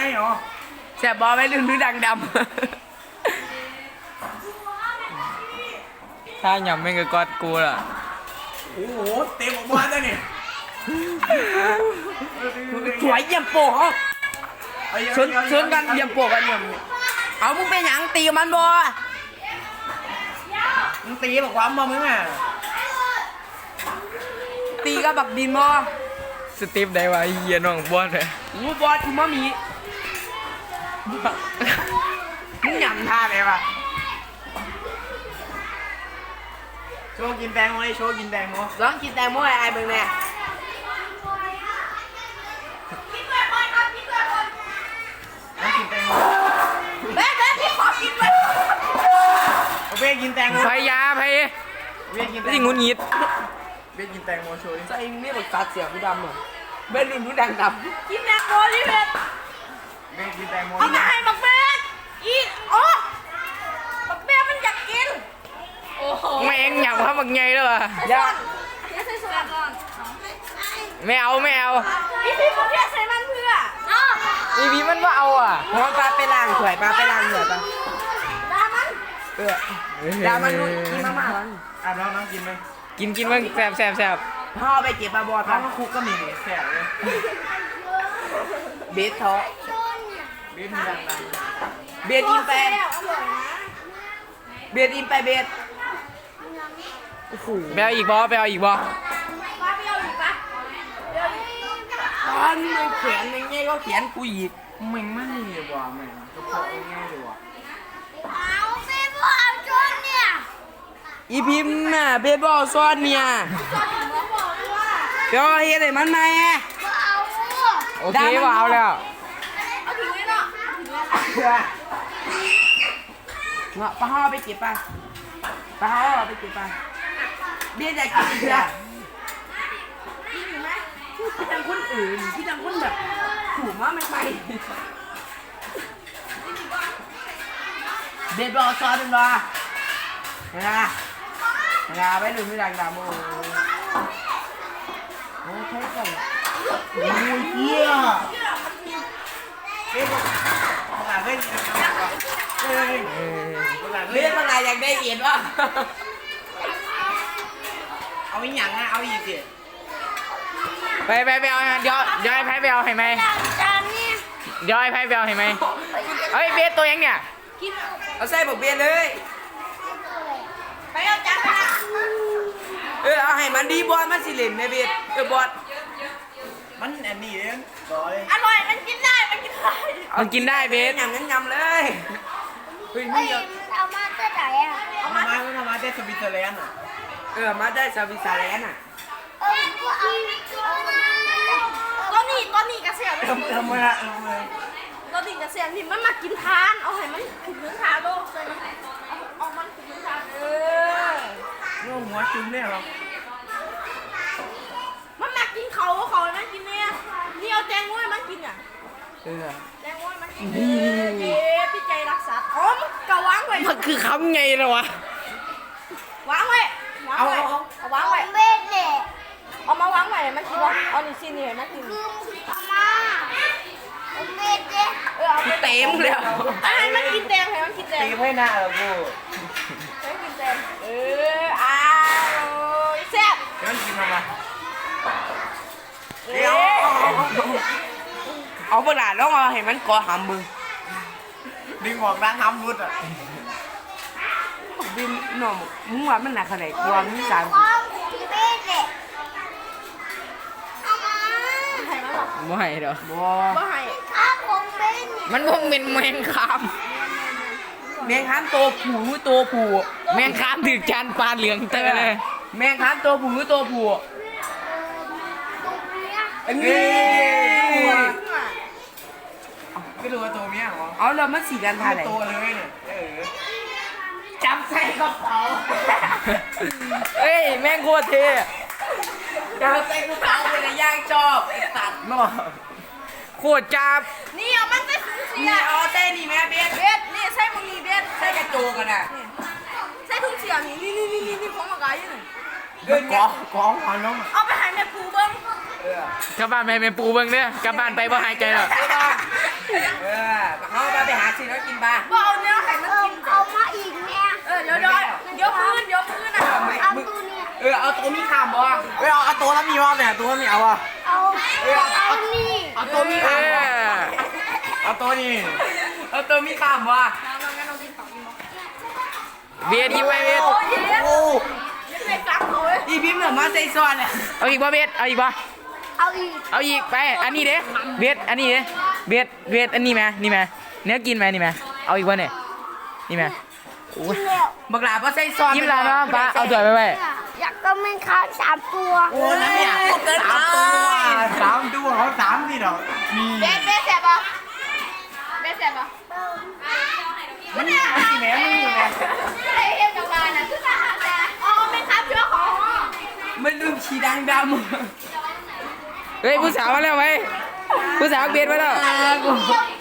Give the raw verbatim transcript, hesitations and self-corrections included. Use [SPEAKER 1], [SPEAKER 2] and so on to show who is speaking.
[SPEAKER 1] เหรอ
[SPEAKER 2] แสบบอลไม่ลืมดูดังดำถ้าหยำไม่ก็กอดกูล่ะ
[SPEAKER 1] โอ้โหเต็มออกมาแล้วเนี่ย
[SPEAKER 2] สวยเยี่ยมโปะชนชนกันเยี่ยมโปะกันเยี่ยมเอามึงเป็นหยังตีมันบอ
[SPEAKER 1] มึงตีบอกความมามึงอ่ะ
[SPEAKER 2] ตีกับบักดินบอ
[SPEAKER 3] สตีฟได้วะเฮียน้องบอสเลย
[SPEAKER 2] งูบอสกูมามีมึงหยำท่าไหนวะ
[SPEAKER 1] โชว์กินแตงโมโชว์กินแตงโม
[SPEAKER 2] ลองกินแตงโมไอ้ไอ้เบิ่งแน่
[SPEAKER 1] กินด้วยคนครับกินด้วยคนน้องกินแตงโม
[SPEAKER 2] แม่แม่พี่ขอกินด้วย
[SPEAKER 1] โอเคกินแตงโม
[SPEAKER 3] พยาพย
[SPEAKER 1] โอเคกินแตงโม
[SPEAKER 3] ที่งุนงิด
[SPEAKER 1] เบสกินแตงโมโชว์ดิ
[SPEAKER 2] ใจนี่แบบกัดเสียงกูดำอ่ะเบสดูดูดังดำกินแตงโมดิเบส
[SPEAKER 1] เบสกินแตงโม
[SPEAKER 2] เอามาให้บักเบสอีโอ้บักเบสมันอยากกินโอ้โห
[SPEAKER 3] ไม่เอ็งหยำเขาบักไงเลยวะ
[SPEAKER 2] อย่าอย่าใส่ส่วนก่อน
[SPEAKER 3] ไม่เอาไม่เอา
[SPEAKER 2] อีพี่มึงเพี้ยใส่มันเพื่อ
[SPEAKER 3] อีพีมันว่าเอาอ่ะ
[SPEAKER 2] หัวปลาไปล้างถวยปลาไปล้างเหนือปลาดามันเออดามันกินมาม่าแล้ว
[SPEAKER 1] อ่ะน้องน้องกินไหม
[SPEAKER 3] กินกินมึงแสบแสบแสบ
[SPEAKER 2] พ่อไปเก็บปลาบอล
[SPEAKER 1] น้องคุกก็มีแสบเลย
[SPEAKER 2] เบสท้อ
[SPEAKER 1] เบสมีดังดัง
[SPEAKER 2] เบสอินไปเบสอินไปเบสโอ้โห
[SPEAKER 3] ไปเอาอีกบอไปเอาอีกบอ
[SPEAKER 2] ตอนมึงเขียนยังไงก็เขียนกูอีก
[SPEAKER 1] มึงไม่ดีว่ะมึงกระเพาะง่ายเลยว่ะ
[SPEAKER 4] เอาเบสบอลชนเนี่ย
[SPEAKER 2] อีพิมน่ะเบสบอลซ้อนเนี่ยเดี๋ยวเฮ็ดให้มันไหม
[SPEAKER 3] โอเคว่าเอาแล้ว
[SPEAKER 4] เอาถึงเลยเนาะ
[SPEAKER 2] เนาะป้าห่อไปเก็บไปป้าห่อไปเก็บไปเบี้ยอยากกินเถอะกินไหมพี่ทางคนอื่นพี่ทางคนแบบถูกว่าไม่ไปเบสบอลซ้อนเป็นบอลนะนะไปดูไม่ดังดำโอ้โหใช่ก่อน
[SPEAKER 1] โอ้ยเหี้ยเบสภาษาเล่นเฮ้ยภาษา
[SPEAKER 2] เบ
[SPEAKER 1] เล่น
[SPEAKER 2] สอะไรอยากได้เอ็ดวะ
[SPEAKER 1] เอาอีกอย่างนะเอาอีกสิ
[SPEAKER 3] ไปไปไปเอาเดี๋ยวเดี๋ยวไอ้ไพ่ไปเอาให้ไหมเดี๋ยวไอ้ไพ่ไปเอาให้ไหมเฮ้ยเบสตัวยังเนี่ย
[SPEAKER 2] เอาใส่บอกเบสเลย
[SPEAKER 4] ไปเอาจานไปนะ
[SPEAKER 2] เออเอาให้มันดีบอลมันสิเล่นในเบสเออบอล
[SPEAKER 1] มันอันนี้เองต่อย
[SPEAKER 4] อร่อยมันกินได้มันกินได้
[SPEAKER 3] มันกินได้เบส
[SPEAKER 2] ยำยำยำเลยเฮ้ยไม่
[SPEAKER 4] เฮ้ย
[SPEAKER 2] ยอม
[SPEAKER 4] เอามาจะไหนอ่ะ
[SPEAKER 1] เอามาเอามาได้สวิตเซอร์แลนด์อ่ะ
[SPEAKER 2] เออมาได้ซาบิซาแลนอ่ะ
[SPEAKER 4] เออกูเอาตัวนี้ตัวนี้กระเสียม
[SPEAKER 1] เออเออมาเออมา
[SPEAKER 4] ตัวนี้กระเสียมที่มันมากินทานเอาให้มันถึงทานโลกเลยเอามันถึงทานเออ
[SPEAKER 1] โง่หัวจุ่มเนี่ยหรอ
[SPEAKER 4] มันมากินเขาเขามันกินเนี่ยนี่เอาแตงโมให้มันกินอ่ะ
[SPEAKER 2] เออ
[SPEAKER 4] แตงโมให้มันกินเย้พี่ใจรักษาอ๋อมันกะวางไว้
[SPEAKER 3] มันคือคำไงเลยวะ
[SPEAKER 4] วางไว้
[SPEAKER 2] เอาเอา
[SPEAKER 4] เอาวางไว้เบ็ดเลยเอามาวางไว้มันกินเอานี่สินี่มันกินเอามาเอาเบ็ดเลยเออเอา
[SPEAKER 2] เต็มเลย
[SPEAKER 4] ให้มันกินแตงให้มันกินแตง
[SPEAKER 1] ตีให้หน้าเหรอกู
[SPEAKER 4] ให้กินแตงเอออ้าวแซ่บ
[SPEAKER 1] เดี๋ยวมันกินทำไม
[SPEAKER 2] เดี๋ยวเอาเวลาแล้วเอาให้มันก่อหำมึง
[SPEAKER 1] ดึงออกด้านทำรุดอ่ะ
[SPEAKER 2] บินหน่อมึงว่ามันหนักขนาดไหนกลัวมึงสาม
[SPEAKER 4] เบ็ดเลยเอามาให้มันหรอ
[SPEAKER 3] ไม่หรอ
[SPEAKER 2] บัว
[SPEAKER 4] บ่ให้อ้าวผมเป็น
[SPEAKER 3] มันพวกเป็นแมงคาม
[SPEAKER 2] แมงค้ามตัวผู้ตัวผู้
[SPEAKER 3] แมงคามถือจานปลาเหลืองเตอเลย
[SPEAKER 2] แมงค้ามตัวผู้ตัวผู้
[SPEAKER 4] นี่
[SPEAKER 1] ไม่รู้ว่าตัวเมียเหรอ
[SPEAKER 2] เอาแล้วมันสีกันท่าไหน
[SPEAKER 1] ตัวเลยเนี่ยเออ
[SPEAKER 2] จับใส่กระเป๋า
[SPEAKER 3] เฮ้ยแม่งโคตรเท่
[SPEAKER 2] จับใส่กระเป๋าเป็นย่างชอบตัดเนาะ
[SPEAKER 3] โคตรจับ
[SPEAKER 4] นี่เอามันใส่ถุงเสีย
[SPEAKER 2] เอาใส่นี่แม่เบส
[SPEAKER 4] เบสนี่ใส่มึงนี่เบส
[SPEAKER 2] ใส่กระโจกันอ่ะ
[SPEAKER 4] ใส่ถุงเสียนี่นี่นี่นี่นี่ของมากายอยู่นี่
[SPEAKER 2] เดิน
[SPEAKER 1] ก
[SPEAKER 2] เนี่ย
[SPEAKER 1] องกองหันลง
[SPEAKER 4] เอาไปให้แม่ครูเบิ้ง
[SPEAKER 2] เออก
[SPEAKER 3] ลับบ้านไปเป็นปูเบิ่งเด้อกลับบ้านไปบ่หายใจหรอก
[SPEAKER 2] เออเขาไปไปหาซื้อแล้วกินปลา
[SPEAKER 4] บ่เอาเนื้อให้มันกินเอามาอีกเนี่ยเออเดี๋ยวเดี๋ยวเดี๋ยวพื้นเดี๋ยวพื้นอ่ะเอาตัวเนี่ย
[SPEAKER 2] เออเอาตัวมีขามบ่
[SPEAKER 1] เฮ้ยเอาเอาตัวแล้วมีว่าเนี่ยตัวมีเอาอ่ะ
[SPEAKER 4] เอาเอานี่
[SPEAKER 2] เอาตัวมี
[SPEAKER 3] เอ
[SPEAKER 2] ขามบ่
[SPEAKER 3] อ
[SPEAKER 1] เอาตัวนี้
[SPEAKER 2] เอาตัวมีขามบ่
[SPEAKER 3] เบียดยิ้มไปเบียด
[SPEAKER 4] โอ้ยเย็น
[SPEAKER 1] โอ้
[SPEAKER 4] ไม่ฟังเขาเว้ย
[SPEAKER 2] อีพิมพ์เหนือมาใส่ซ้อนเนี่ย
[SPEAKER 3] เอาอีกบ่เบียดเอาอีกบ่
[SPEAKER 4] เอาอีก
[SPEAKER 3] เอาอีกไปอันนี้เด้เบียดอันนี้เด้เบียดเบียดอันนี้ไหมนี่ไหมเนื้อกินไหมนี่ไหมเอาอีกบ่เนี่ยนี่ไหมโอ้ย
[SPEAKER 4] แล้ว
[SPEAKER 2] บักหลาบ่ใส่ซ้อน
[SPEAKER 3] ยิ้มลาเนาะป้าเอาจ่อยไปไว้
[SPEAKER 4] อยากก็ไม่ค้าสามตัว
[SPEAKER 2] โอ้นั่นเนี่ยเกิน
[SPEAKER 1] สามตัวสามตัวเขาสามที่ดอกมี
[SPEAKER 4] เบสเบสแสบปะเบสแสบปะ
[SPEAKER 1] มันมันสีแหนมันอยู่ไง
[SPEAKER 4] ไอ้เอ็มกับบ้านน่ะคือทหารแต่อ๋อไม่ครับเชื่อของ
[SPEAKER 2] มันลืมฉีดังดำ
[SPEAKER 3] เฮ้ยผู้สาวมาแล้วไหมผู้สาวเบียดมาแล้ว
[SPEAKER 4] เดี๋ยว